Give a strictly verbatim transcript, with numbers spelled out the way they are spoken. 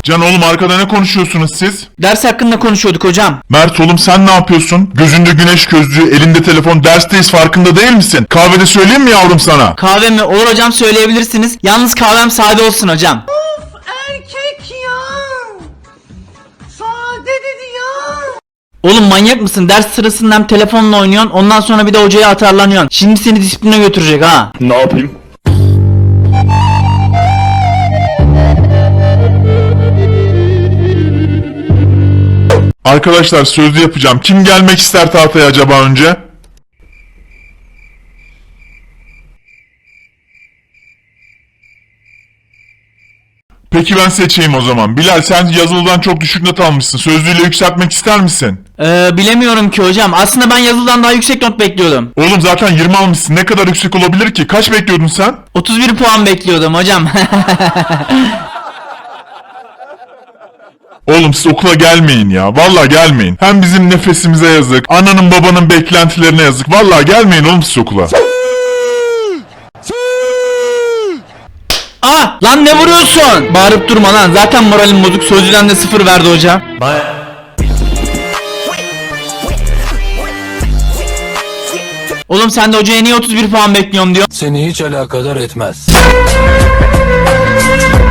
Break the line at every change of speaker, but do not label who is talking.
Can oğlum arkada ne konuşuyorsunuz siz?
Ders hakkında konuşuyorduk hocam.
Mert oğlum sen ne yapıyorsun? Gözünde güneş gözlüğü, elinde telefon, dersteyiz farkında değil misin? Kahvede söyleyeyim mi yavrum sana?
Kahve mi? Olur hocam, söyleyebilirsiniz. Yalnız kahvem sade olsun hocam.
Of erkek ya. Sade dedi ya.
Oğlum manyak mısın? Ders sırasında hem telefonla oynuyorsun, ondan sonra bir de hocaya atarlanıyorsun. Şimdi seni disipline götürecek ha.
Ne yapayım? Arkadaşlar sözlü yapacağım. Kim gelmek ister tahtaya acaba önce? Peki ben seçeyim o zaman. Bilal sen yazılıdan çok düşük not almışsın. Sözlüyle yükseltmek ister misin?
Ee, bilemiyorum ki hocam. Aslında ben yazılıdan daha yüksek not bekliyordum.
Oğlum zaten yirmi almışsın. Ne kadar yüksek olabilir ki? Kaç bekliyordun sen?
otuz bir puan bekliyordum hocam.
Oğlum siz okula gelmeyin ya. Vallahi gelmeyin. Hem bizim nefesimize yazık. Ananın babanın beklentilerine yazık. Vallahi gelmeyin oğlum siz okula.
Aa, lan ne vuruyorsun? Bağırıp durma lan. Zaten moralim bozuk. Sözlüden de sıfır verdi hocam. Oğlum sen de hocaya niye otuz bir puan bekliyorum diyor.
Seni hiç alakadar etmez.